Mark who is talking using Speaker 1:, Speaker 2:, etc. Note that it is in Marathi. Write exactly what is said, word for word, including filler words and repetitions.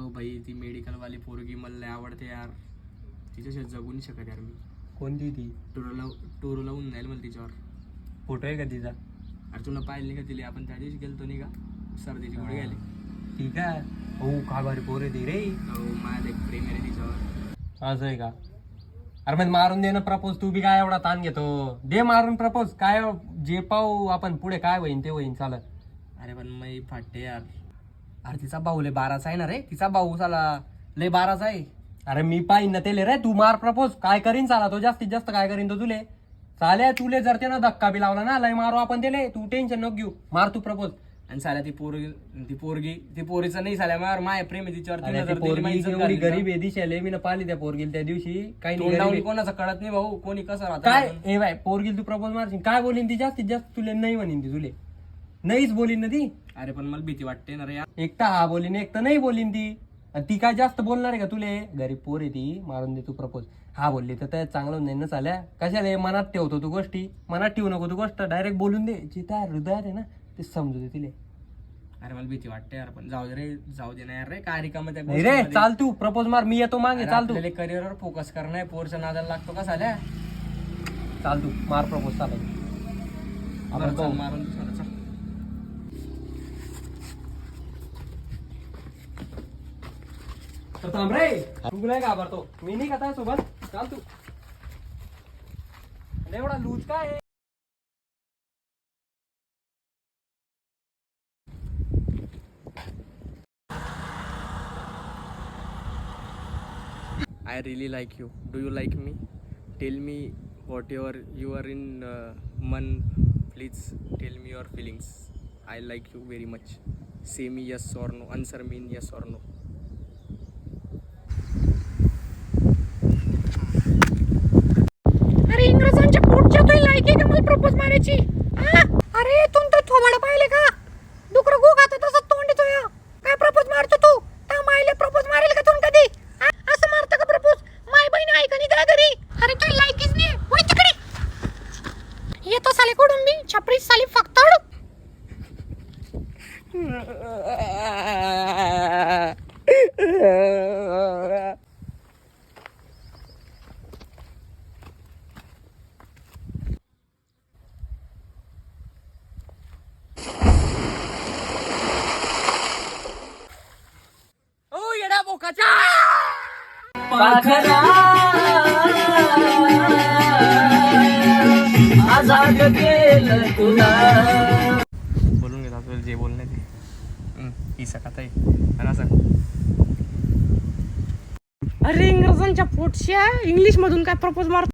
Speaker 1: अहो भाई ती मेडिकल वाली पोरगी मला लय आवडते यार, तिच्याशिवाय जगू नाही शकत यार मी.
Speaker 2: कोणती ती?
Speaker 1: टोरो लाव टोरो लावून जाईल मला तिच्यावर.
Speaker 2: फोटो आहे का तिचा?
Speaker 1: अरे तुला पाहिलं नाही का तिला, आपण त्या दिवशी गेलतो नाही का सर्दीची गोळी घ्यायला.
Speaker 2: ठीक आहे. हो का भारी पोर आहे ती रे.
Speaker 1: अहो माझ्या एक प्रेम आहे रे तिच्यावर.
Speaker 2: असं आहे का? अरे मग मारून दे ना प्रपोज. तू बी काय एवढा ताण घेतो? दे मारून प्रपोज. काय जे पाहू आपण पुढे काय होईन ते होईन. चालत.
Speaker 1: अरे पण मी फाटते यार. अरे तिचा भाऊ लय बाराचा आहे ना रे. तिचा भाऊ साला लय बाराचा आहे.
Speaker 2: अरे मी पाहिन ना तेले रे. तू मार प्रपोज. काय करीन चाला तो जास्तीत जास्त काय करीन तो तुले. चाल्या तुले जर त्यानं धक्का बी लावला ना लय मारू आपण त्याले. तू टेन्शन नको घेऊ. मार तू प्रपोज.
Speaker 1: आणि साल्या ती पोरगी ती पोरगी ती पोरीचं नाही साल्या मार माय प्रेम आहे तिच्यावर.
Speaker 2: अरे ती पोरगी एवढी गरीब आहे दिशाले. मी ना पाहिली त्या पोरगीला त्या दिवशी. काही नाही गरीब आहे.
Speaker 1: कोणाचं कळत नाही भाऊ, कोणी कसं राहतं
Speaker 2: काय ए बाय पोरगील तू प्रपोज मारशील काय बोलीन ती जास्तीत जास्त तुले नाही म्हणीन ती तुले. नाहीच बोलीन ना ती.
Speaker 1: अरे पण मला भीती वाटते ना रे यार.
Speaker 2: एक तर हा बोलीन एक तर नाही बोलीन ती. आणि ती काय जास्त बोलणार आहे का तुले? गरीब पोर आहे ती. मारून दे तू प्रपोज. हा बोलली तर त्या चांगलं नाही ना चाल्या. कशाला मनात ठेवतो तू गोष्टी. मनात ठेवू नको तू गोष्ट. डायरेक्ट बोलून दे. जे त्या हृदयात आहे ना ते समजू दे तिले.
Speaker 1: अरे मला भीती वाटते यार, पण जाऊ दे रे, जाऊ दे ना यार रे. काय रिकामं त्या
Speaker 2: नाही रे चाल तू प्रपोज मार. मी येतो मागे. चाल तू.
Speaker 1: करिअरवर फोकस करणं आहे. पोरच्या नादाला लागतो का साल्या.
Speaker 2: चाल तू मार प्रपोज. चाल आपण
Speaker 1: चल, मारून दे साला, चल.
Speaker 2: तर थांब रे. तू नाही घाबरतो. मी नाही का सोबत. चाल तू. एवढा लूज काय आहे?
Speaker 1: I really like you. Do you like me? Tell me whatever you are in uh, man. Please tell me your feelings. I like you very much. Say me yes or no. Answer me in yes or no.
Speaker 3: अरे इंग्रजांच्या पोटच्या तुला लायकी का मला प्रपोज मारायची? अरे तू तर थोबाड पाहिले का? डुकर गो खात तसं तोंड येतो या. काय प्रपोज मारतो तू? त्या मायले प्रपोज मारेल का तू कधी? असं मारतं का प्रपोज? माय बहीण आहे का नाही त्या घरी? अरे तुला लायकीच नाही. वय तिकडे. येतो साले कडून मी छपरी साली फक्तड.
Speaker 1: ओ येडा बोकाचा.
Speaker 2: पाखरा आजाद केलं तुला.
Speaker 1: बोलून घेता तुला जे बोलणे ते. ही सकात आहे आणि असं.
Speaker 3: अरे इंग्रजांच्या पोटच्या इंग्लिश मधून काय प्रपोज मारतो?